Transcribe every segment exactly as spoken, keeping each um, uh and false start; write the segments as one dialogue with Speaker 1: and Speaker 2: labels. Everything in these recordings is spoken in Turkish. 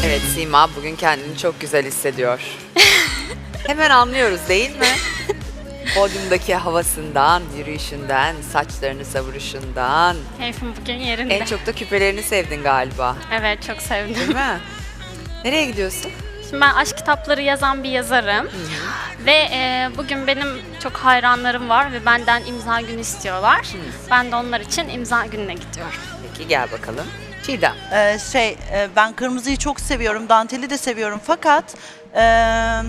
Speaker 1: Evet, Sima bugün kendini çok güzel hissediyor. Hemen anlıyoruz değil mi? Podyumdaki havasından, yürüyüşünden, saçlarını savuruşundan.
Speaker 2: Keyfim bugün yerinde.
Speaker 1: En çok da küpelerini sevdin galiba.
Speaker 2: Evet, çok sevdim.
Speaker 1: Değil mi? Nereye gidiyorsun?
Speaker 2: Şimdi ben aşk kitapları yazan bir yazarım. Ve e, bugün benim çok hayranlarım var ve benden imza günü istiyorlar.
Speaker 1: Hı.
Speaker 2: Ben de onlar için imza gününe gidiyorum.
Speaker 1: Peki gel bakalım. Çiğdem.
Speaker 3: Ee, şey, e, ben kırmızıyı çok seviyorum, danteli de seviyorum fakat e,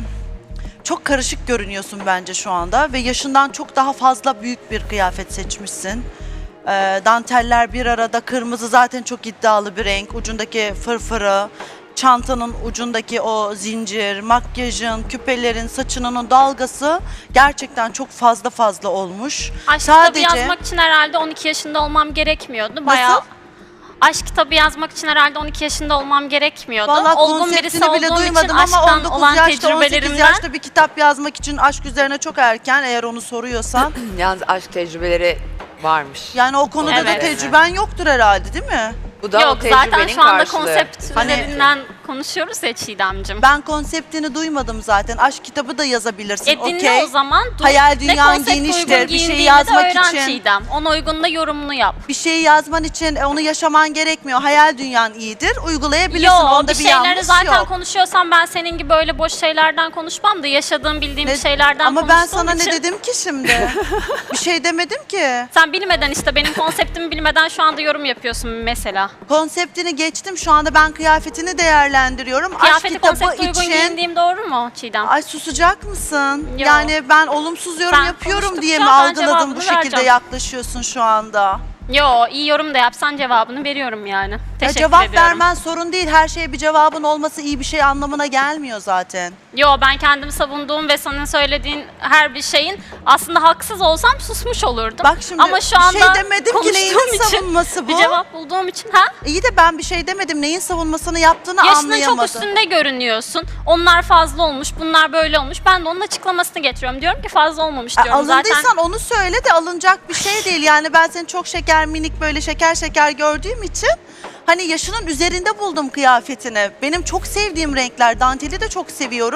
Speaker 3: çok karışık görünüyorsun bence şu anda ve yaşından çok daha fazla büyük bir kıyafet seçmişsin. E, danteller bir arada, kırmızı zaten çok iddialı bir renk, ucundaki fırfırı, çantanın ucundaki o zincir, makyajın, küpelerin, saçının o dalgası gerçekten çok fazla fazla olmuş.
Speaker 2: Aşk kitabı yazmak için herhalde on iki yaşında olmam gerekmiyordu. Bayağı
Speaker 3: Nasıl?
Speaker 2: aşk kitabı yazmak için herhalde on iki yaşında olmam gerekmiyordu.
Speaker 3: Vallahi
Speaker 2: Olgun birisi
Speaker 3: konseptini bile
Speaker 2: olduğum için
Speaker 3: duymadım ama
Speaker 2: aşktan
Speaker 3: on dokuz
Speaker 2: olan
Speaker 3: yaşta, on sekiz
Speaker 2: tecrübelerimden
Speaker 3: yaşta bir kitap yazmak için aşk üzerine çok erken eğer onu soruyorsan.
Speaker 1: Yalnız aşk tecrübeleri varmış.
Speaker 3: Yani o konuda da
Speaker 2: Evet.
Speaker 3: tecrüben yoktur herhalde değil mi?
Speaker 1: Bu da o
Speaker 2: yok
Speaker 1: tecrübenin
Speaker 2: zaten şu anda
Speaker 1: karşılığı.
Speaker 2: konsept
Speaker 3: Hani-
Speaker 2: üzerinden konuşuyoruz ya Çiğdem'cim.
Speaker 3: Ben konseptini duymadım zaten. Aşk kitabı da yazabilirsin.
Speaker 2: E dinle
Speaker 3: okey.
Speaker 2: o zaman. Dur.
Speaker 3: Hayal
Speaker 2: Ve
Speaker 3: dünyan
Speaker 2: konsept uygun
Speaker 3: geniştir. Bir şey
Speaker 2: giyindiğini de
Speaker 3: yazmak
Speaker 2: öğren
Speaker 3: için.
Speaker 2: Çiğdem. Ona uygun da yorumunu yap.
Speaker 3: Bir şeyi yazman için e, onu yaşaman gerekmiyor. Hayal dünyan iyidir. Uygulayabilirsin.
Speaker 2: Yo,
Speaker 3: Onda
Speaker 2: bir
Speaker 3: bir,
Speaker 2: şeyleri
Speaker 3: yanlış
Speaker 2: zaten
Speaker 3: yok.
Speaker 2: konuşuyorsam ben senin gibi öyle boş şeylerden konuşmam da yaşadığım bildiğim
Speaker 3: Ne-
Speaker 2: şeylerden
Speaker 3: Ama ben
Speaker 2: konuştuğum
Speaker 3: sana
Speaker 2: için.
Speaker 3: ne dedim ki şimdi? Bir şey demedim ki.
Speaker 2: Sen bilmeden işte benim konseptimi bilmeden şu anda yorum yapıyorsun mesela.
Speaker 3: Konseptini geçtim. Şu anda ben kıyafetini değerlendiriyorum. Aşk
Speaker 2: Kıyafeti
Speaker 3: kitabı
Speaker 2: konsepte uygun
Speaker 3: için.
Speaker 2: giyindiğim doğru mu Çiğdem?
Speaker 3: Ay susacak mısın?
Speaker 2: Yo.
Speaker 3: Yani ben olumsuz yorum
Speaker 2: Sen
Speaker 3: yapıyorum diye mi
Speaker 2: konuştukça ben
Speaker 3: algıladın
Speaker 2: cevabını
Speaker 3: bu şekilde
Speaker 2: vereceğim.
Speaker 3: yaklaşıyorsun şu anda?
Speaker 2: Yo, iyi yorum da yapsan cevabını veriyorum yani.
Speaker 3: Ya
Speaker 2: Teşekkür
Speaker 3: cevap
Speaker 2: ediyorum.
Speaker 3: vermen sorun değil. Her şeye bir cevabın olması iyi bir şey anlamına gelmiyor zaten.
Speaker 2: Yo, ben kendimi savunduğum ve senin söylediğin her bir şeyin aslında haksız olsam susmuş olurdum.
Speaker 3: Bak şimdi
Speaker 2: Ama şu
Speaker 3: bir
Speaker 2: anda
Speaker 3: şey demedim ki neyin
Speaker 2: konuştuğum için
Speaker 3: savunması bu?
Speaker 2: Bir cevap bulduğum için ha?
Speaker 3: İyi de ben bir şey demedim. Neyin savunmasını yaptığını
Speaker 2: Yaşının
Speaker 3: anlayamadım.
Speaker 2: çok üstünde görünüyorsun. Onlar fazla olmuş, bunlar böyle olmuş. Ben de onun açıklamasını getiriyorum. Diyorum ki fazla olmamış
Speaker 3: E,
Speaker 2: diyorum.
Speaker 3: alındıysan
Speaker 2: Zaten
Speaker 3: onu söyle de alınacak bir şey değil. Yani ben seni çok şeker minik böyle şeker şeker gördüğüm için hani yaşının üzerinde buldum kıyafetini. Benim çok sevdiğim renkler. Danteli de çok seviyorum.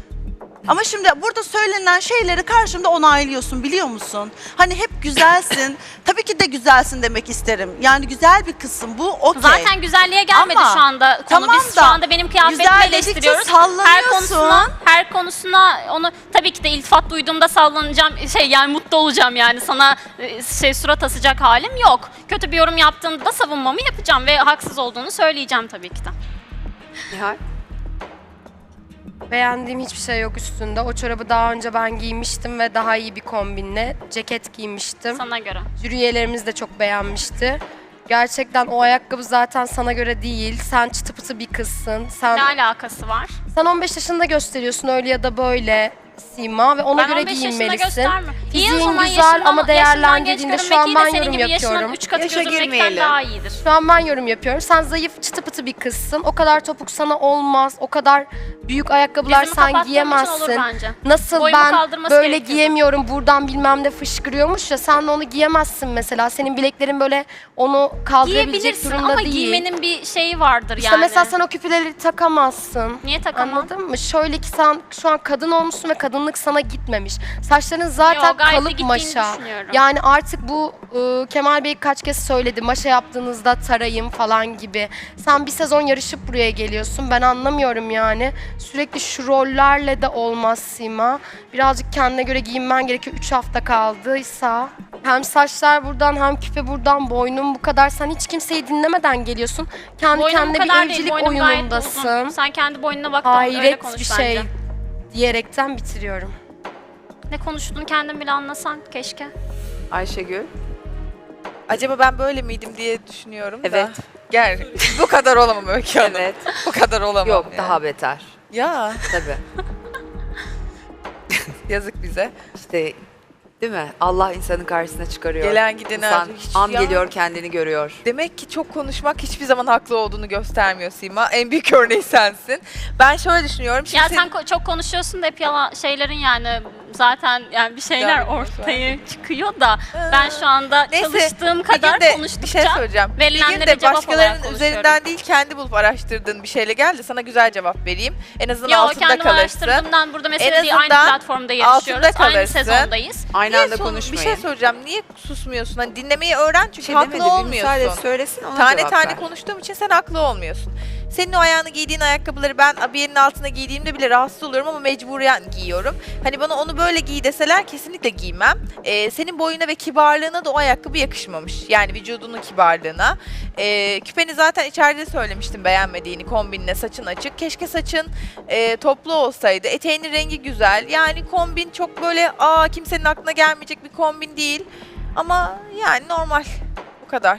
Speaker 3: Ama şimdi burada söylenen şeyleri karşımda onaylıyorsun biliyor musun? Hani hep güzelsin. Tabii ki de güzelsin demek isterim. Yani güzel bir kısım bu. Okey.
Speaker 2: zaten güzelliğe gelmedi
Speaker 3: Ama
Speaker 2: şu anda konu.
Speaker 3: tamam
Speaker 2: Biz
Speaker 3: da
Speaker 2: şu anda benim kıyafetimi
Speaker 3: güzel dedikçe
Speaker 2: eleştiriyoruz. Her
Speaker 3: sallanıyorsun.
Speaker 2: konusuna, her konusuna onu tabii ki de iltifat duyduğumda sallanacağım. Şey yani mutlu olacağım yani sana e, şey surat asacak halim yok. Kötü bir yorum yaptığında da savunmamı yapacağım ve haksız olduğunu söyleyeceğim tabii ki de.
Speaker 1: Nihal.
Speaker 4: Beğendiğim hiçbir şey yok üstünde. O çorabı daha önce ben giymiştim ve daha iyi bir kombinle ceket giymiştim.
Speaker 2: Sana göre.
Speaker 4: Jüri üyelerimiz de çok beğenmişti. Gerçekten o ayakkabı zaten sana göre değil. Sen çıtı pıtı bir kızsın. Sen,
Speaker 2: Ne alakası var?
Speaker 4: sen on beş yaşında gösteriyorsun öyle ya da böyle Sima ve ona
Speaker 2: Ben
Speaker 4: göre
Speaker 2: on beş yaşında
Speaker 4: giyinmelisin.
Speaker 2: göstermiyorum. İyi o
Speaker 4: Fiziğin
Speaker 2: zaman
Speaker 4: güzel
Speaker 2: yaşından-
Speaker 4: ama
Speaker 2: yaşından
Speaker 4: değerlendirdiğinde
Speaker 2: genç
Speaker 4: şu an
Speaker 2: görünmek
Speaker 4: ben
Speaker 2: iyi de
Speaker 4: yorum
Speaker 2: senin gibi yaşının
Speaker 4: yapıyorum.
Speaker 2: üç katı
Speaker 1: Yaşa
Speaker 2: gözükmekten
Speaker 1: girmeyelim.
Speaker 2: daha iyidir.
Speaker 4: Şu an ben yorum yapıyorum. Sen zayıf, çıtı pıtı bir kızsın. O kadar topuk sana olmaz. O kadar büyük ayakkabılar
Speaker 2: Dizimi
Speaker 4: sen
Speaker 2: kapattığım için
Speaker 4: giyemezsin.
Speaker 2: olur bence.
Speaker 4: Nasıl
Speaker 2: Boyumu
Speaker 4: ben
Speaker 2: kaldırması
Speaker 4: böyle
Speaker 2: gerekiyordu.
Speaker 4: giyemiyorum, buradan bilmem ne fışkırıyormuş ya, sen de onu giyemezsin mesela. Senin bileklerin böyle onu kaldırabilecek
Speaker 2: Giyebilirsin
Speaker 4: durumda
Speaker 2: ama
Speaker 4: değil.
Speaker 2: giymenin bir şeyi vardır
Speaker 4: İşte
Speaker 2: yani.
Speaker 4: mesela sen o küpeleri takamazsın.
Speaker 2: Niye takamam?
Speaker 4: Anladın mı? Şöyle ki sen şu an kadın olmuşsun ve kadınlık sana gitmemiş. Saçların zaten
Speaker 2: Yo, gayet de
Speaker 4: kalıp
Speaker 2: gittiğini
Speaker 4: maşa.
Speaker 2: düşünüyorum.
Speaker 4: Yani artık bu e, Kemal Bey kaç kez söyledi. Maşa yaptığınızda tarayın falan gibi. Sen bir sezon yarışıp buraya geliyorsun. Ben anlamıyorum yani. Sürekli şu rollerle de olmaz Sima. Birazcık kendine göre giyinmen gerekiyor. Üç hafta kaldıysa. Hem saçlar buradan hem küpe buradan, boynun bu kadar. Sen hiç kimseyi dinlemeden geliyorsun. Kendi
Speaker 2: Boynum bu
Speaker 4: kendine bir
Speaker 2: kadar değil,
Speaker 4: evcilik
Speaker 2: boynum gayet
Speaker 4: oyunundasın.
Speaker 2: uzun. Sen kendi boynuna bak da öyle
Speaker 4: Hayret
Speaker 2: konuş
Speaker 4: bir
Speaker 2: bence.
Speaker 4: şey diyerekten bitiriyorum.
Speaker 2: Ne konuştuğunu kendin bile anlasan keşke.
Speaker 1: Ayşegül.
Speaker 5: Acaba ben böyle miydim diye düşünüyorum da.
Speaker 1: Evet.
Speaker 5: Gel. Bu kadar olamam Öykü Hanım.
Speaker 1: Evet.
Speaker 5: Bu kadar olamam.
Speaker 1: Yok
Speaker 5: yani.
Speaker 1: daha beter.
Speaker 5: Ya
Speaker 1: Tabii.
Speaker 5: yazık bize.
Speaker 1: İşte değil mi? Allah insanın karşısına çıkarıyor.
Speaker 5: Gelen gideni
Speaker 1: İnsan
Speaker 5: artık hiç-
Speaker 1: an
Speaker 5: ya.
Speaker 1: geliyor kendini görüyor.
Speaker 5: Demek ki çok konuşmak hiçbir zaman haklı olduğunu göstermiyor Sima. En büyük örneği sensin. Ben şöyle düşünüyorum. Şimdi
Speaker 2: Ya
Speaker 5: sen-
Speaker 2: sen ko- çok konuşuyorsun da hep yalan şeylerin yani zaten yani bir şeyler
Speaker 5: Güzel bir poz
Speaker 2: ortaya çıkıyor da ben şu anda
Speaker 5: Neyse,
Speaker 2: çalıştığım
Speaker 5: bir
Speaker 2: kadar
Speaker 5: gün de
Speaker 2: konuştukça
Speaker 5: bir şey söyleyeceğim. Bir gün
Speaker 2: verilenlere
Speaker 5: de
Speaker 2: cevap olarak
Speaker 5: başkalarının
Speaker 2: konuşuyorum.
Speaker 5: üzerinden değil kendi bulup araştırdığın bir şeyle gel de sana güzel cevap vereyim. En azından
Speaker 2: Yo,
Speaker 5: altında
Speaker 2: kendim
Speaker 5: kalırsın.
Speaker 2: araştırdığımdan burada mesele
Speaker 5: En
Speaker 2: değil. Aynı
Speaker 5: azından
Speaker 2: platformda yarışıyoruz.
Speaker 5: altında
Speaker 2: Aynı
Speaker 5: kalırsın.
Speaker 2: sezondayız.
Speaker 1: Aynı
Speaker 5: Niye
Speaker 1: anda
Speaker 5: son-
Speaker 1: konuşmayın.
Speaker 5: Bir şey soracağım. Niye susmuyorsun? Hani dinlemeyi öğren çünkü
Speaker 1: Bir şey
Speaker 5: haklı
Speaker 1: demedi, bir
Speaker 5: olmuyorsun.
Speaker 1: müsaade et, söylesin ona
Speaker 5: Tane
Speaker 1: cevap
Speaker 5: tane
Speaker 1: ver.
Speaker 5: konuştuğum için sen haklı olmuyorsun. Senin o ayağına giydiğin ayakkabıları ben abiyenin altına giydiğimde bile rahatsız oluyorum ama mecburen giyiyorum. Hani bana onu böyle giy deseler kesinlikle giymem. Ee, senin boyuna ve kibarlığına da o ayakkabı yakışmamış. Yani vücudunun kibarlığına. Ee, küpeni zaten içeride söylemiştim beğenmediğini kombinle, saçın açık. Keşke saçın e, toplu olsaydı. Eteğinin rengi güzel. Yani kombin çok böyle aa kimsenin aklına gelmeyecek bir kombin değil. Ama yani normal. Bu kadar.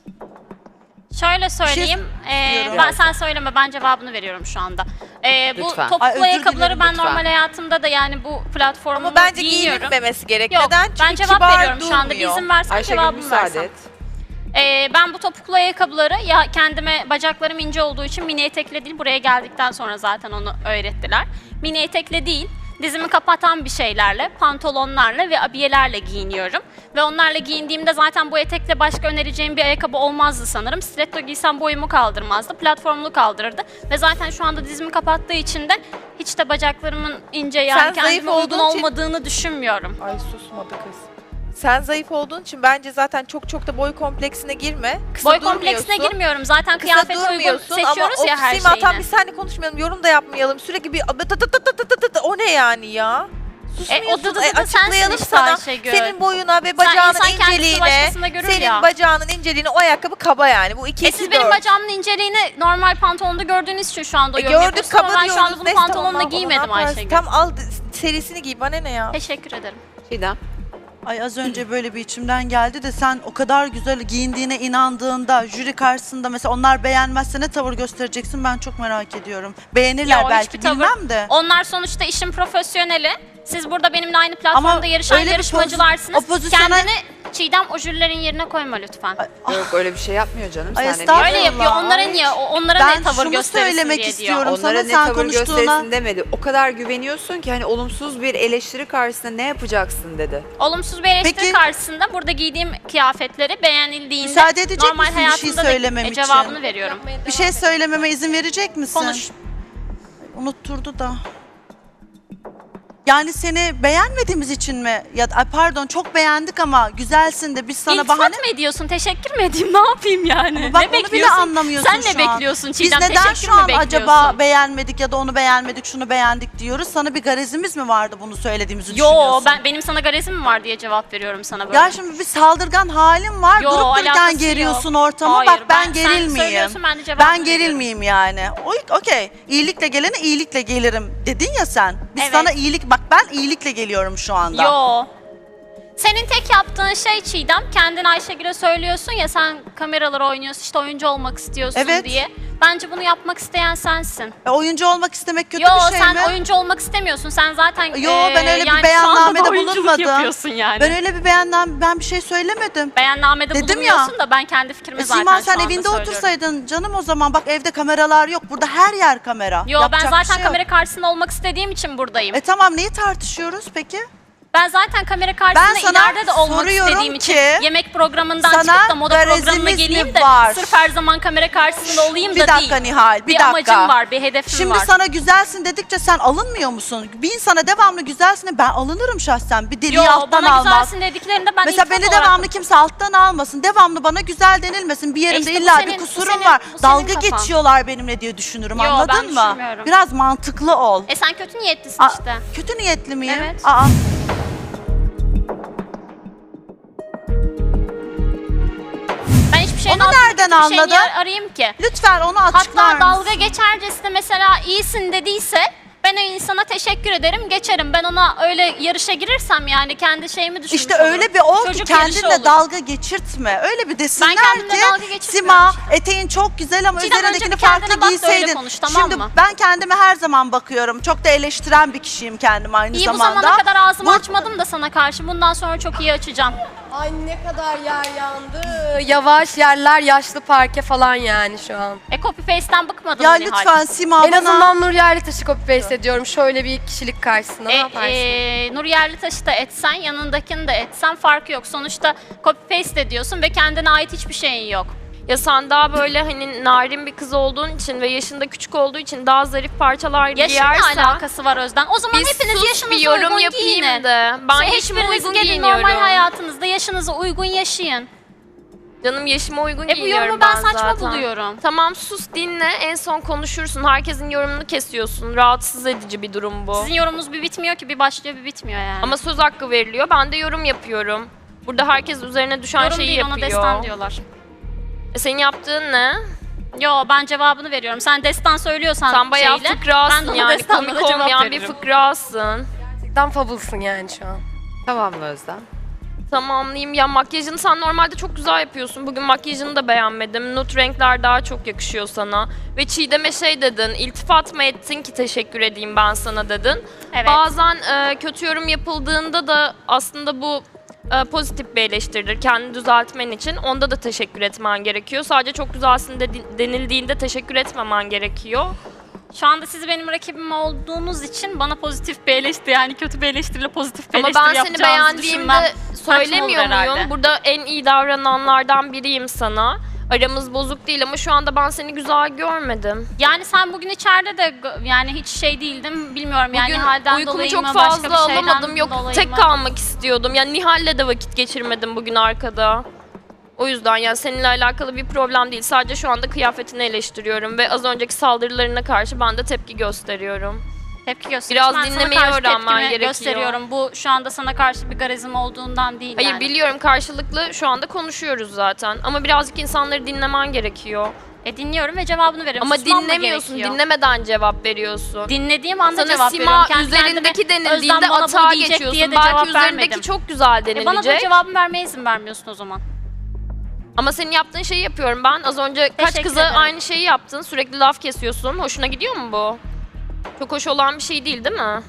Speaker 2: Şöyle söyleyeyim. ee,
Speaker 3: istiyorum.
Speaker 2: ben sen söyleme ben cevabını veriyorum şu anda. Ee, bu
Speaker 1: Lütfen.
Speaker 2: topuklu
Speaker 3: Ay, özür
Speaker 2: ayakkabıları
Speaker 3: dilerim,
Speaker 2: ben
Speaker 1: lütfen.
Speaker 2: normal hayatımda da yani bu platformu
Speaker 5: Ama bence
Speaker 2: giyiniyorum.
Speaker 5: giyinilmemesi gerek.
Speaker 2: Yok
Speaker 5: Neden? Çünkü
Speaker 2: ben cevap
Speaker 5: kibar
Speaker 2: veriyorum şu anda. Bir
Speaker 5: durmuyor.
Speaker 2: izin versen
Speaker 1: Ayşegül
Speaker 2: cevabımı
Speaker 1: müsaade
Speaker 2: versem.
Speaker 1: et.
Speaker 2: Ee, ben bu topuklu ayakkabıları ya kendime bacaklarım ince olduğu için mini etekle değil buraya geldikten sonra zaten onu öğrettiler. Mini etekle değil dizimi kapatan bir şeylerle, pantolonlarla ve abiyelerle giyiniyorum. Ve onlarla giyindiğimde zaten bu etekle başka önereceğim bir ayakkabı olmazdı sanırım. Stiletto giysem boyumu kaldırmazdı, platformlu kaldırırdı. Ve zaten şu anda dizimi kapattığı için de hiç de bacaklarımın ince yani
Speaker 5: Sen zayıf
Speaker 2: kendime uygun
Speaker 5: olduğun için-
Speaker 2: olmadığını düşünmüyorum.
Speaker 5: Ay susmadı kız. Sen zayıf olduğun için bence zaten çok çok da boy kompleksine girme. Kısa
Speaker 2: Boy
Speaker 5: durmuyorsun.
Speaker 2: kompleksine girmiyorum. Zaten
Speaker 5: Kısa
Speaker 2: kıyafete uygun
Speaker 5: durmuyorsun
Speaker 2: seçiyoruz
Speaker 5: ama
Speaker 2: ya her
Speaker 5: ofisiyim tam
Speaker 2: şeyini.
Speaker 5: biz seninle konuşmayalım, yorum da yapmayalım. Sürekli bir tı tı tı tı tı tı tı, o ne yani ya? Susmuyorsun.
Speaker 2: E, o dı dı dı sensin
Speaker 5: açıklayalım
Speaker 2: işte
Speaker 5: sana.
Speaker 2: Ayşegül.
Speaker 5: Senin boyuna ve
Speaker 2: Sen
Speaker 5: bacağının
Speaker 2: insan kendisi
Speaker 5: inceliğine,
Speaker 2: başkasında görür
Speaker 5: senin
Speaker 2: ya.
Speaker 5: bacağının inceliğine o ayakkabı kaba yani. Bu iki
Speaker 2: E
Speaker 5: iki
Speaker 2: siz benim
Speaker 5: dört.
Speaker 2: bacağımın inceliğini normal pantolonda gördüğünüz için şu anda
Speaker 5: E,
Speaker 2: yorum
Speaker 5: gördük
Speaker 2: yapıyorsunuz ama
Speaker 5: kaba
Speaker 2: ben
Speaker 5: diyoruz.
Speaker 2: şu anda bunu
Speaker 5: Neyse,
Speaker 2: pantolonla
Speaker 5: tamam,
Speaker 2: giymedim
Speaker 5: ona yaparsın.
Speaker 2: Ayşegül.
Speaker 5: Tam al serisini giy bana ne ya?
Speaker 2: Teşekkür ederim.
Speaker 1: Çiğdem.
Speaker 3: Ay az önce böyle bir içimden geldi de sen o kadar güzel giyindiğine inandığında jüri karşısında mesela onlar beğenmezse ne tavır göstereceksin ben çok merak ediyorum. Beğenirler
Speaker 2: Ya o
Speaker 3: belki
Speaker 2: hiçbir tavır-
Speaker 3: bilmem de.
Speaker 2: Onlar sonuçta işin profesyoneli. Siz burada benimle aynı platformda
Speaker 3: Ama
Speaker 2: yarışan
Speaker 3: öyle bir
Speaker 2: yarışmacılarsınız.
Speaker 3: poz- o pozisyona-
Speaker 2: Kendini Çiğdem o jürilerin yerine koyma lütfen.
Speaker 1: Yok öyle bir şey yapmıyor canım.
Speaker 3: Ay,
Speaker 1: Sen de
Speaker 3: estağfurullah.
Speaker 2: Öyle yapıyor. Onlara niye? o- Onlara
Speaker 3: Ben
Speaker 2: ne tavır
Speaker 3: şunu
Speaker 2: gösterirsin
Speaker 3: söylemek
Speaker 2: diye
Speaker 3: istiyorum.
Speaker 2: diyor.
Speaker 3: Sana
Speaker 1: Onlara ne
Speaker 3: sen
Speaker 1: tavır
Speaker 3: konuştuğuna-
Speaker 1: gösterirsin demedi. O kadar güveniyorsun ki hani olumsuz bir eleştiri karşısında ne yapacaksın dedi.
Speaker 2: Olumsuz bir eleştiri
Speaker 3: Peki-
Speaker 2: karşısında burada giydiğim kıyafetleri beğenildiğinde
Speaker 3: Müsaade edecek
Speaker 2: normal
Speaker 3: misin bir şey
Speaker 2: hayatımda da
Speaker 3: söylemem
Speaker 2: e,
Speaker 3: için?
Speaker 2: cevabını veriyorum.
Speaker 3: Bir şey söylememe izin verecek misin?
Speaker 2: Konuş.
Speaker 3: Unutturdu da. Yani seni beğenmediğimiz için mi? Ya ay pardon çok beğendik ama güzelsin de biz sana
Speaker 2: İltifat
Speaker 3: bahane...
Speaker 2: mı ediyorsun? Teşekkür mü edeyim? Ne yapayım yani?
Speaker 3: Ama bak
Speaker 2: ne
Speaker 3: onu bile
Speaker 2: bekliyorsun?
Speaker 3: anlamıyorsun
Speaker 2: Sen
Speaker 3: şu
Speaker 2: ne
Speaker 3: an.
Speaker 2: bekliyorsun
Speaker 3: Biz
Speaker 2: Çiğdem?
Speaker 3: neden
Speaker 2: Teşekkür
Speaker 3: şu
Speaker 2: mü
Speaker 3: an
Speaker 2: bekliyorsun?
Speaker 3: acaba beğenmedik ya da onu beğenmedik, şunu beğendik diyoruz? Sana bir garezimiz mi vardı bunu söylediğimizi
Speaker 2: Yo
Speaker 3: düşünüyorsun?
Speaker 2: ben benim sana garezim mi var diye cevap veriyorum sana böyle.
Speaker 3: Ya şimdi bir saldırgan halim var.
Speaker 2: Yo,
Speaker 3: Durup
Speaker 2: alakası
Speaker 3: dururken
Speaker 2: yok.
Speaker 3: geriyorsun ortamı.
Speaker 2: Hayır,
Speaker 3: Bak ben,
Speaker 2: ben- sen
Speaker 3: gerilmeyeyim.
Speaker 2: söylüyorsun, ben de cevabını
Speaker 3: Ben
Speaker 2: veriyorum.
Speaker 3: gerilmeyeyim yani. O- Okey. İyilikle gelene iyilikle gelirim dedin ya sen. Biz
Speaker 2: Evet.
Speaker 3: sana iyilik... Bak ben iyilikle geliyorum şu anda.
Speaker 2: Yo. Senin tek yaptığın şey Çiğdem, kendin Ayşegül'e söylüyorsun ya sen kameralara oynuyorsun işte oyuncu olmak istiyorsun
Speaker 3: Evet.
Speaker 2: diye. Bence bunu yapmak isteyen sensin.
Speaker 3: E, oyuncu olmak istemek kötü
Speaker 2: Yo
Speaker 3: bir şey
Speaker 2: sen
Speaker 3: mi?
Speaker 2: oyuncu olmak istemiyorsun. Sen zaten
Speaker 3: Yo
Speaker 2: eee,
Speaker 3: ben öyle bir
Speaker 2: yani şu anda da
Speaker 3: beyannamede
Speaker 2: oyunculuk
Speaker 3: bulunmadım.
Speaker 2: yapıyorsun yani.
Speaker 3: Ben öyle bir beyanname, ben bir şey söylemedim.
Speaker 2: Beyannamede
Speaker 3: Dedim
Speaker 2: bulunmuyorsun
Speaker 3: ya.
Speaker 2: da ben kendi fikrimi
Speaker 3: E,
Speaker 2: zaten
Speaker 3: Sima
Speaker 2: şu
Speaker 3: sen
Speaker 2: anda
Speaker 3: evinde
Speaker 2: söylüyorum.
Speaker 3: otursaydın canım o zaman. Bak evde kameralar yok. Burada her yer kamera.
Speaker 2: Yo
Speaker 3: Yapacak
Speaker 2: ben
Speaker 3: bir
Speaker 2: zaten
Speaker 3: şey yok.
Speaker 2: kamera karşısında olmak istediğim için buradayım.
Speaker 3: E tamam neyi tartışıyoruz peki?
Speaker 2: Ben zaten kamera karşısında
Speaker 3: Ben sana
Speaker 2: ileride de olmak
Speaker 3: soruyorum
Speaker 2: istediğim için
Speaker 3: ki,
Speaker 2: yemek programından
Speaker 3: sana
Speaker 2: çıkıp da moda
Speaker 3: garezimiz
Speaker 2: programına
Speaker 3: mi
Speaker 2: geleyim de
Speaker 3: var?
Speaker 2: sırf her zaman kamera karşısında olayım
Speaker 3: Bir
Speaker 2: da
Speaker 3: dakika
Speaker 2: değil.
Speaker 3: Nihal, bir,
Speaker 2: bir
Speaker 3: dakika.
Speaker 2: amacım var, bir hedefim
Speaker 3: Şimdi
Speaker 2: var.
Speaker 3: sana güzelsin dedikçe sen alınmıyor musun? Bir insana devamlı güzelsin de ben alınırım şahsen. Bir deliği
Speaker 2: Yo
Speaker 3: alttan
Speaker 2: bana
Speaker 3: almaz.
Speaker 2: güzelsin dediklerinde ben
Speaker 3: Mesela
Speaker 2: iltifat
Speaker 3: beni
Speaker 2: olarak-
Speaker 3: devamlı kimse alttan almasın. Devamlı bana güzel denilmesin. Bir yerimde
Speaker 2: işte bu
Speaker 3: illa
Speaker 2: senin-
Speaker 3: bir
Speaker 2: bu
Speaker 3: kusurum
Speaker 2: senin-
Speaker 3: var.
Speaker 2: bu senin
Speaker 3: Dalga
Speaker 2: kafan.
Speaker 3: geçiyorlar benimle diye düşünürüm.
Speaker 2: Yo, ben
Speaker 3: Anladın mı?
Speaker 2: düşünmüyorum.
Speaker 3: Biraz mantıklı ol.
Speaker 2: E sen kötü niyetlisin
Speaker 3: Aa,
Speaker 2: işte.
Speaker 3: Kötü niyetli miyim?
Speaker 2: Evet.
Speaker 3: Aa.
Speaker 2: Ben hiçbir şeyin
Speaker 3: Onu
Speaker 2: altında
Speaker 3: nereden
Speaker 2: kötü bir şey niye
Speaker 3: anladın?
Speaker 2: arayayım ki?
Speaker 3: Lütfen onu açıklar
Speaker 2: Hatta dalga
Speaker 3: mısın?
Speaker 2: geçercesine mesela iyisin dediyse ben o insana teşekkür ederim geçerim. Ben ona öyle yarışa girirsem yani kendi şeyimi düşünmüş
Speaker 3: İşte
Speaker 2: olurum.
Speaker 3: öyle bir ol ki
Speaker 2: Çocuk yarışı
Speaker 3: kendinle
Speaker 2: olur.
Speaker 3: dalga geçirtme. Öyle bir desinler
Speaker 2: kendimle
Speaker 3: ki
Speaker 2: dalga geçirmiyorum
Speaker 3: Sima
Speaker 2: işte.
Speaker 3: eteğin çok güzel ama
Speaker 2: Çiğdem, önce
Speaker 3: üzerindekini
Speaker 2: bir kendine
Speaker 3: farklı
Speaker 2: bak da öyle
Speaker 3: giyseydin.
Speaker 2: konuş, tamam
Speaker 3: Şimdi
Speaker 2: mı?
Speaker 3: ben kendime her zaman bakıyorum. Çok da eleştiren bir kişiyim kendim aynı
Speaker 2: İyi bu
Speaker 3: zamanda.
Speaker 2: zamana kadar ağzımı
Speaker 3: Bu-
Speaker 2: açmadım da sana karşı. Bundan sonra çok iyi açacağım.
Speaker 4: Ay ne kadar yer yandı. Yavaş yerler yaşlı parke falan yani şu an.
Speaker 2: E copy paste'ten bıkmadın
Speaker 3: Ya
Speaker 2: mı Nihal?
Speaker 3: lütfen Sima
Speaker 4: En
Speaker 3: bana...
Speaker 4: azından Nur Yerlitaş'ı copy paste ediyorum. Şöyle bir kişilik karşısına ne
Speaker 2: E,
Speaker 4: yaparsın?
Speaker 2: e, Nur Yerlitaş'ı da etsen, yanındakini de etsen farkı yok. Sonuçta copy paste ediyorsun ve kendine ait hiçbir şeyin yok.
Speaker 6: Ya sen daha böyle hani narin bir kız olduğun için ve yaşında küçük olduğu için daha zarif parçalar
Speaker 2: Yaşınla
Speaker 6: giyersen
Speaker 2: alakası var Özden. O zaman
Speaker 6: bir
Speaker 2: hepiniz
Speaker 6: sus,
Speaker 2: yaşınıza
Speaker 6: bir yorum
Speaker 2: uygun
Speaker 6: yapayım
Speaker 2: giyinin.
Speaker 6: de. Ben
Speaker 2: Şey,
Speaker 6: yaşıma
Speaker 2: hiçbiriniz
Speaker 6: uygun
Speaker 2: gelin
Speaker 6: giyiniyorum.
Speaker 2: normal hayatınızda yaşınıza uygun yaşayın.
Speaker 6: Canım yaşıma uygun
Speaker 2: E bu
Speaker 6: giyiniyorum
Speaker 2: yorumu ben
Speaker 6: ben
Speaker 2: saçma
Speaker 6: zaten.
Speaker 2: buluyorum.
Speaker 6: Tamam sus dinle en son konuşursun. Herkesin yorumunu kesiyorsun. Rahatsız edici bir durum bu.
Speaker 2: Sizin yorumunuz bir bitmiyor ki, bir başlıyor bir bitmiyor yani.
Speaker 6: Ama söz hakkı veriliyor. Ben de yorum yapıyorum. Burada herkes üzerine düşen
Speaker 2: yorum
Speaker 6: şeyi
Speaker 2: değil,
Speaker 6: yapıyor.
Speaker 2: ona destan diyorlar.
Speaker 6: E senin yaptığın ne?
Speaker 2: Yo, ben cevabını veriyorum. Sen destan söylüyorsan
Speaker 6: Sen bayağı
Speaker 2: şeyle, ben de
Speaker 6: fıkrasın
Speaker 2: ona
Speaker 6: yani.
Speaker 2: destanla
Speaker 6: Komik
Speaker 2: da cevap
Speaker 6: olmayan bir
Speaker 2: veririm.
Speaker 6: fıkrasın.
Speaker 4: Gerçekten fabulsın yani şu an.
Speaker 1: Tamam mı Özlem?
Speaker 6: Tamamlayayım. Ya makyajını sen normalde çok güzel yapıyorsun. Bugün makyajını da beğenmedim. Nude renkler daha çok yakışıyor sana. Ve Çiğdem'e şey dedin, iltifat mı ettin ki teşekkür edeyim ben sana dedin.
Speaker 2: Evet.
Speaker 6: Bazen e, kötü yorum yapıldığında da aslında bu e, pozitif bir eleştiridir. Kendini düzeltmen için. Onda da teşekkür etmen gerekiyor. Sadece çok güzelsin de, denildiğinde teşekkür etmemen gerekiyor.
Speaker 2: Şu anda siz benim rakibim olduğunuz için bana pozitif bir eleştiri, yani kötü bir eleştiriyle pozitif bir
Speaker 6: Ama
Speaker 2: eleştiri
Speaker 6: ben seni
Speaker 2: yapacağınızı düşünmem
Speaker 6: beğendiğimde
Speaker 2: saçma olur
Speaker 6: söylemiyor
Speaker 2: herhalde.
Speaker 6: muyum? Burada en iyi davrananlardan biriyim sana. Aramız bozuk değil ama şu anda ben seni güzel görmedim.
Speaker 2: Yani sen bugün içeride de g- yani hiç şey değildin, bilmiyorum yani
Speaker 6: Bugün
Speaker 2: halden
Speaker 6: uykumu
Speaker 2: dolayı
Speaker 6: çok
Speaker 2: mı, başka
Speaker 6: fazla
Speaker 2: bir şeyden
Speaker 6: alamadım. Yok
Speaker 2: dolayı
Speaker 6: tek
Speaker 2: mı?
Speaker 6: kalmak istiyordum. Yani Nihal'le de vakit geçirmedim bugün arkada. O yüzden yani seninle alakalı bir problem değil. Sadece şu anda kıyafetini eleştiriyorum ve az önceki saldırılarına karşı ben de tepki gösteriyorum.
Speaker 2: Tepki gösteriyorsun.
Speaker 6: Biraz
Speaker 2: Ben sana
Speaker 6: dinlemeyi
Speaker 2: karşı
Speaker 6: öğrenmen
Speaker 2: tepkimi
Speaker 6: gerekiyor.
Speaker 2: gösteriyorum. Bu şu anda sana karşı bir garizim olduğundan değil
Speaker 6: Hayır
Speaker 2: yani.
Speaker 6: biliyorum karşılıklı şu anda konuşuyoruz zaten. Ama birazcık insanları dinlemen gerekiyor.
Speaker 2: E dinliyorum ve cevabını veriyorum.
Speaker 6: Ama
Speaker 2: Susmam mı
Speaker 6: dinlemiyorsun,
Speaker 2: gerekiyor?
Speaker 6: dinlemeden cevap veriyorsun.
Speaker 2: Dinlediğim anda
Speaker 6: Sana
Speaker 2: cevap
Speaker 6: Sima
Speaker 2: veriyorum. Kendi
Speaker 6: üzerindeki
Speaker 2: kendime,
Speaker 6: denildiğinde
Speaker 2: Özlem bana bunu
Speaker 6: atağa
Speaker 2: diyecek
Speaker 6: geçiyorsun.
Speaker 2: diye de
Speaker 6: Belki
Speaker 2: cevap
Speaker 6: üzerindeki
Speaker 2: vermedim.
Speaker 6: çok güzel
Speaker 2: E
Speaker 6: denilecek.
Speaker 2: bana da cevabımı vermeye izin vermiyorsun o zaman.
Speaker 6: Ama senin yaptığın şeyi yapıyorum ben. Az önce kaç
Speaker 2: Teşekkür
Speaker 6: kıza
Speaker 2: ederim.
Speaker 6: aynı şeyi yaptın. Sürekli laf kesiyorsun. Hoşuna gidiyor mu bu? Çok hoş olan bir şey değil değil mi?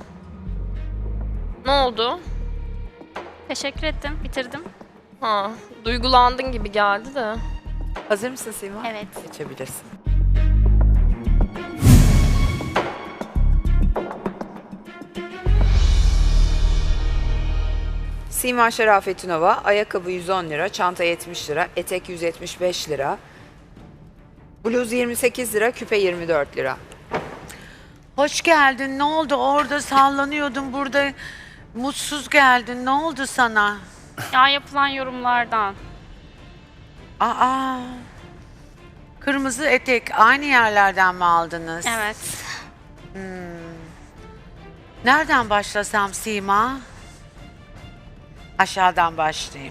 Speaker 6: Ne oldu?
Speaker 2: Teşekkür ettim. Bitirdim.
Speaker 6: Ha, duygulandın gibi geldi de.
Speaker 1: Hazır mısın Sima?
Speaker 2: Evet.
Speaker 1: Geçebilirsin. Sima Şerafetinova, ayakkabı yüz on lira, çanta yetmiş lira, etek yüz yetmiş beş lira, bluz yirmi sekiz lira, küpe yirmi dört lira.
Speaker 7: Hoş geldin. Ne oldu? Orada sallanıyordun. Burada mutsuz geldin. Ne oldu sana?
Speaker 2: Ya yapılan yorumlardan.
Speaker 7: Aa. Kırmızı etek aynı yerlerden mi aldınız?
Speaker 2: Evet.
Speaker 7: Nereden başlasam Sima? Aşağıdan başlayayım.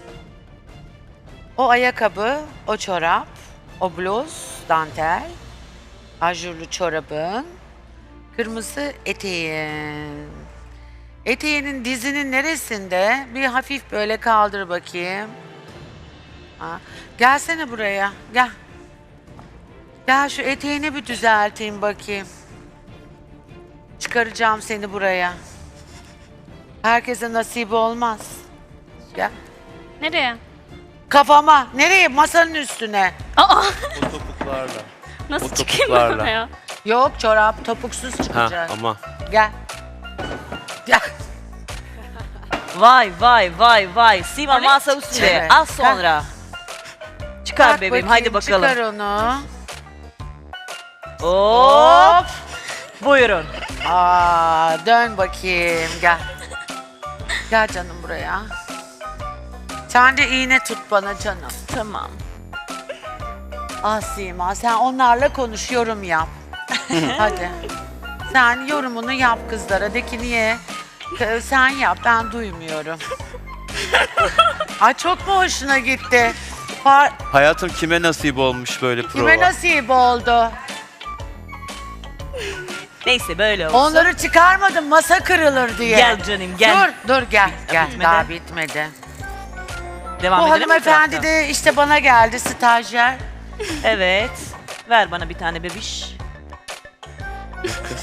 Speaker 7: O ayakkabı, o çorap, o bluz, dantel, ajurlu çorabın, kırmızı eteğin. Eteğinin dizinin neresinde? Bir hafif böyle kaldır bakayım. Ha. Gelsene buraya, gel. Gel şu eteğini bir düzelteyim bakayım. Çıkaracağım seni buraya. Herkese nasip olmaz. Gel.
Speaker 2: Nereye?
Speaker 7: Kafama. Nereye? Masanın üstüne.
Speaker 2: Aa!
Speaker 8: O topuklarla.
Speaker 2: Nasıl
Speaker 8: O
Speaker 2: çıkayım ben
Speaker 8: topuklarla.
Speaker 2: oraya?
Speaker 7: Yok çorap topuksuz
Speaker 8: Ha
Speaker 7: çıkacak.
Speaker 8: ama
Speaker 7: Gel. Gel.
Speaker 9: Vay vay vay vay. Sima masa üstünde.
Speaker 7: Evet.
Speaker 9: Az sonra. Çıkar
Speaker 7: Bak
Speaker 9: bebeğim
Speaker 7: bakayım,
Speaker 9: hadi bakalım.
Speaker 7: Çıkar onu.
Speaker 9: Hop. Buyurun.
Speaker 7: Aa, dön bakayım. Gel. Gel canım buraya. Sen de iğne tut bana canım.
Speaker 9: Tamam.
Speaker 7: Ah Sima sen onlarla konuş yorum yap. Hadi. Sen yorumunu yap kızlara. De ki niye? K- Sen yap ben duymuyorum. Ay çok mu hoşuna gitti? Par-
Speaker 8: hayatım kime nasip olmuş böyle prova?
Speaker 7: Kime nasip oldu?
Speaker 9: Neyse böyle olsun.
Speaker 7: Onları çıkarmadım masa kırılır diye.
Speaker 9: Gel canım gel.
Speaker 7: Dur dur gel gel
Speaker 9: bitmedi.
Speaker 7: daha bitmedi.
Speaker 9: Devam
Speaker 7: Bu
Speaker 9: edelim mi
Speaker 7: hanımefendi
Speaker 9: taraftan?
Speaker 7: de işte bana geldi stajyer.
Speaker 9: Evet. Ver bana bir tane bebiş.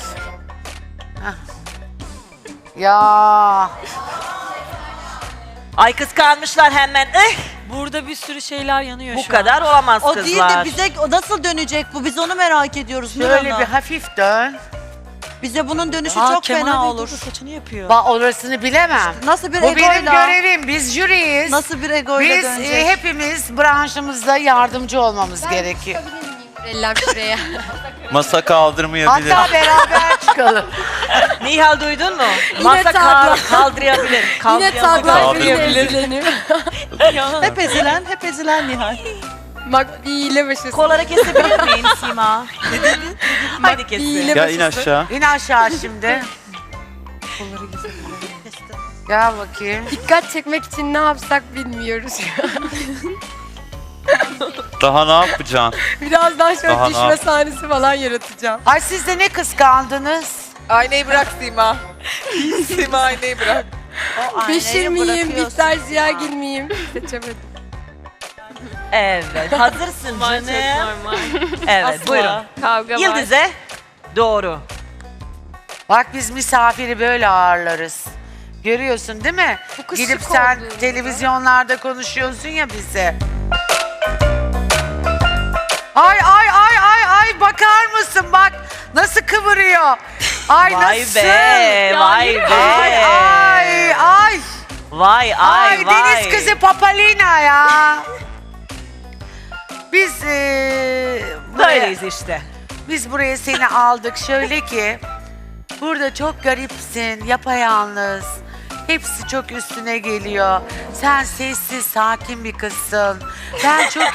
Speaker 7: Ya
Speaker 9: Ay kıskanmışlar hemen. Eh,
Speaker 10: Burada bir sürü şeyler yanıyor
Speaker 9: bu
Speaker 10: şu
Speaker 9: kadar
Speaker 10: an.
Speaker 9: olamaz
Speaker 3: O
Speaker 9: kızlar.
Speaker 3: değil de bize o nasıl dönecek bu? Biz onu merak ediyoruz.
Speaker 7: Şöyle
Speaker 3: Nurhan'a.
Speaker 7: bir hafif dön.
Speaker 3: Bize bunun dönüşü
Speaker 10: Aa,
Speaker 3: çok
Speaker 10: Kemal
Speaker 3: fena
Speaker 10: Bey
Speaker 3: olur.
Speaker 10: burada saçını yapıyor.
Speaker 7: Ba orasını bilemem.
Speaker 3: Nasıl bir
Speaker 7: Bu benim
Speaker 3: egoyla?
Speaker 7: görevim. Biz jüriyiz.
Speaker 3: Nasıl bir egoyla
Speaker 7: Biz
Speaker 3: dönecek?
Speaker 7: e, hepimiz branşımızda yardımcı olmamız gerekiyor.
Speaker 4: Eller şuraya.
Speaker 8: Masa kaldırmayabilir.
Speaker 7: Hatta beraber çıkalım.
Speaker 9: Nihal duydun mu? Masa
Speaker 4: taglar.
Speaker 9: kal- kaldırabilir.
Speaker 4: Yine
Speaker 9: Kaldırabilir.
Speaker 4: taglar beni
Speaker 8: Kaldırabilir.
Speaker 4: ezilenim.
Speaker 3: Hep ezilen, hep ezilen Nihal.
Speaker 4: Bak bir hile başısın.
Speaker 9: Kolları kesebilir miyim Sima? Ne dedin? Hadi kesin.
Speaker 4: hile
Speaker 8: Ya in aşağı.
Speaker 7: İn aşağı şimdi. Gel bakayım.
Speaker 4: Dikkat çekmek için ne yapsak bilmiyoruz.
Speaker 8: Daha ne yapacaksın?
Speaker 4: Birazdan şöyle
Speaker 8: Daha ne
Speaker 4: düşme
Speaker 8: yap-
Speaker 4: sahnesi falan yaratacağım.
Speaker 7: Ay siz de ne kıskandınız?
Speaker 5: Aynayı bırak Sima. Sima aynayı bırak.
Speaker 3: O aynayı
Speaker 4: Beşir miyim,
Speaker 3: bırakıyorsun.
Speaker 4: Bihter Ziyagil miyim? Seçemedim.
Speaker 9: Evet. Hazırsın
Speaker 6: Var çok
Speaker 9: canım.
Speaker 6: normal.
Speaker 9: Evet
Speaker 10: Asla.
Speaker 9: buyurun.
Speaker 6: Kavga var.
Speaker 9: Yıldız'e doğru.
Speaker 7: Bak biz misafiri böyle ağırlarız. Görüyorsun değil mi?
Speaker 4: Bu kız
Speaker 7: Gidip
Speaker 4: şık
Speaker 7: sen
Speaker 4: olduğunda.
Speaker 7: televizyonlarda konuşuyorsun ya bize. Ay ay ay ay ay bakar mısın bak nasıl kıvırıyor. Ay
Speaker 9: Vay
Speaker 7: nasıl?
Speaker 9: be, vay be.
Speaker 7: Ay ay ay.
Speaker 9: Vay ay
Speaker 7: Ay,
Speaker 9: vay.
Speaker 7: deniz kızı Papalina ya. Biz eee buraya,
Speaker 9: Böyleyiz işte.
Speaker 7: biz buraya seni aldık şöyle ki burada çok garipsin, yapayalnız. Hepsi çok üstüne geliyor. Sen sessiz, sakin bir kızsın. Ben çok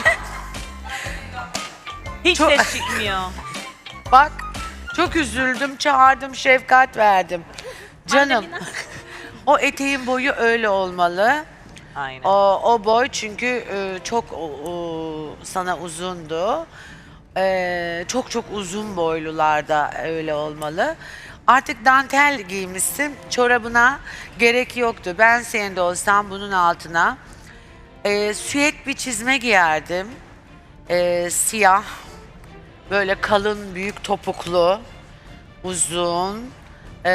Speaker 9: Hiç
Speaker 7: Çok-
Speaker 9: ses çıkmıyor.
Speaker 7: bak çok üzüldüm, çağırdım, şefkat verdim. Canım. O eteğin boyu öyle olmalı.
Speaker 9: Aynen.
Speaker 7: O, o boy çünkü e, çok o, o, sana uzundu. E, çok çok uzun boylularda öyle olmalı. Artık dantel giymişsin. Çorabına gerek yoktu. Ben senin de olsam bunun altına e, süet bir çizme giyerdim. E, siyah. Böyle kalın, büyük topuklu. Uzun. E,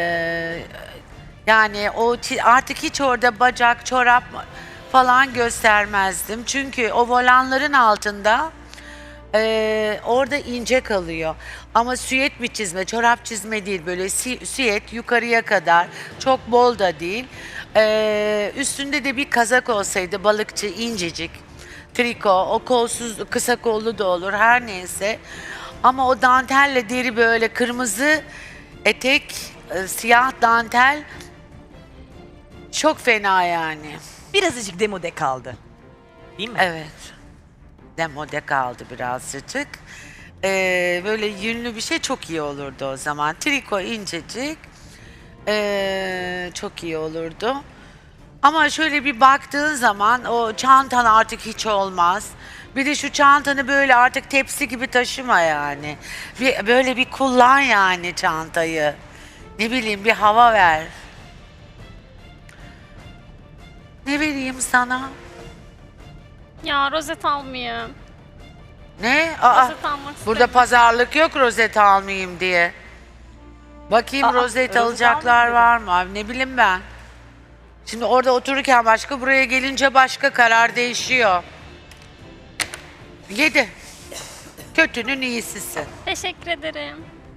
Speaker 7: yani o çi- artık hiç orada bacak, çorap falan göstermezdim. Çünkü o volanların altında eee, orada ince kalıyor. Ama süet bir çizme, çorap çizme değil. Böyle si- süet yukarıya kadar. Çok bol da değil. Eee, üstünde de bir kazak olsaydı balıkçı, incecik. Triko, o kolsuz, kısa kollu da olur her neyse. Ama o dantelle deri böyle kırmızı etek, e, siyah dantel çok fena yani.
Speaker 9: Birazcık demode kaldı. Değil mi?
Speaker 7: Evet. Demode kaldı birazcık. Ee, böyle yünlü bir şey çok iyi olurdu o zaman. Triko incecik. Ee, çok iyi olurdu. Ama şöyle bir baktığın zaman o çantan artık hiç olmaz. Bir de şu çantanı böyle artık tepsi gibi taşıma yani. Bir, böyle bir kullan yani çantayı. Ne bileyim bir hava ver. Ne vereyim sana?
Speaker 2: Ya rozet almayayım.
Speaker 7: Ne? Aa,
Speaker 2: Rozet almak
Speaker 7: burada
Speaker 2: istedim.
Speaker 7: pazarlık yok rozet almayayım diye. Bakayım
Speaker 9: Aa,
Speaker 7: rozet
Speaker 9: rozet
Speaker 7: alacaklar
Speaker 9: almayayım
Speaker 7: var mı? Abi, ne bileyim ben. Şimdi orada otururken başka, buraya gelince başka, karar değişiyor. Yedi. Kötünün iyisisin.
Speaker 2: Teşekkür ederim.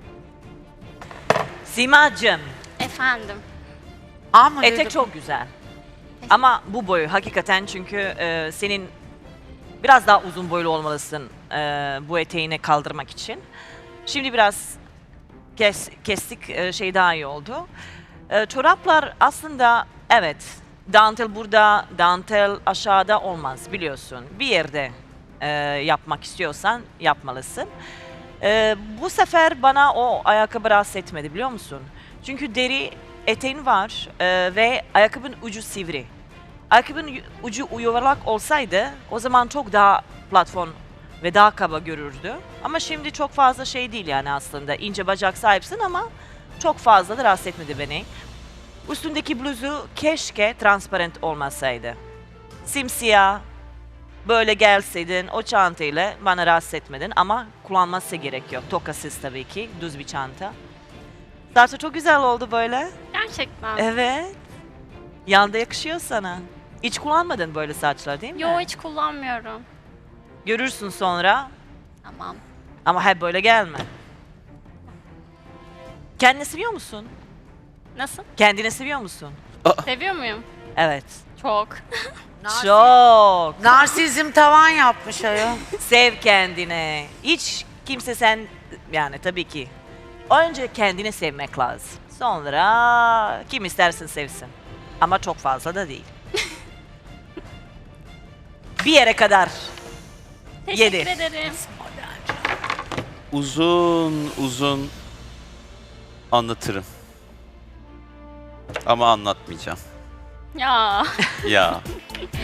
Speaker 9: Simacığım,
Speaker 2: Efendim.
Speaker 7: Ama
Speaker 9: etek
Speaker 7: dedim,
Speaker 9: çok güzel. Ama bu boyu hakikaten çünkü e, senin biraz daha uzun boylu olmalısın e, bu eteğini kaldırmak için. Şimdi biraz kes, kestik e, şey daha iyi oldu. E, çoraplar aslında evet dantel burada, dantel aşağıda olmaz biliyorsun. Bir yerde e, yapmak istiyorsan yapmalısın. E, bu sefer bana o ayakkabı rahatsız etmedi biliyor musun? Çünkü deri eteğin var e, ve ayakkabının ucu sivri. Ayakkabının yu- ucu yuvarlak olsaydı o zaman çok daha platform ve daha kaba görürdü. Ama şimdi çok fazla şey değil yani aslında. İnce bacak sahipsin ama çok fazla da rahatsız etmedi beni. Üstündeki bluzu keşke transparent olmasaydı. Simsiyah böyle gelseydin o çantayla bana rahatsız etmedin ama kullanması gerekiyor. Tokasız tabii ki, düz bir çanta. Zaten çok güzel oldu böyle.
Speaker 2: Gerçekten.
Speaker 9: Evet. Yanda yakışıyor sana. Hiç kullanmadın böyle saçlar değil mi?
Speaker 2: Yo hiç kullanmıyorum.
Speaker 9: Görürsün sonra
Speaker 2: Tamam.
Speaker 9: ama hep böyle gelme. Kendini seviyor musun?
Speaker 2: Nasıl?
Speaker 9: Kendini seviyor musun?
Speaker 2: Seviyor muyum?
Speaker 9: Evet.
Speaker 2: Çok.
Speaker 9: Çok.
Speaker 7: Narsizm tavan yapmış ayol.
Speaker 9: Sev kendini. Hiç kimse sen yani tabii ki. Önce kendini sevmek lazım. Sonra kim istersin sevsin. Ama çok fazla da değil. Bir yere kadar.
Speaker 2: Teşekkür
Speaker 9: Yedi.
Speaker 2: ederim.
Speaker 8: Uzun uzun anlatırım. Ama anlatmayacağım.
Speaker 2: Ya.
Speaker 8: Ya.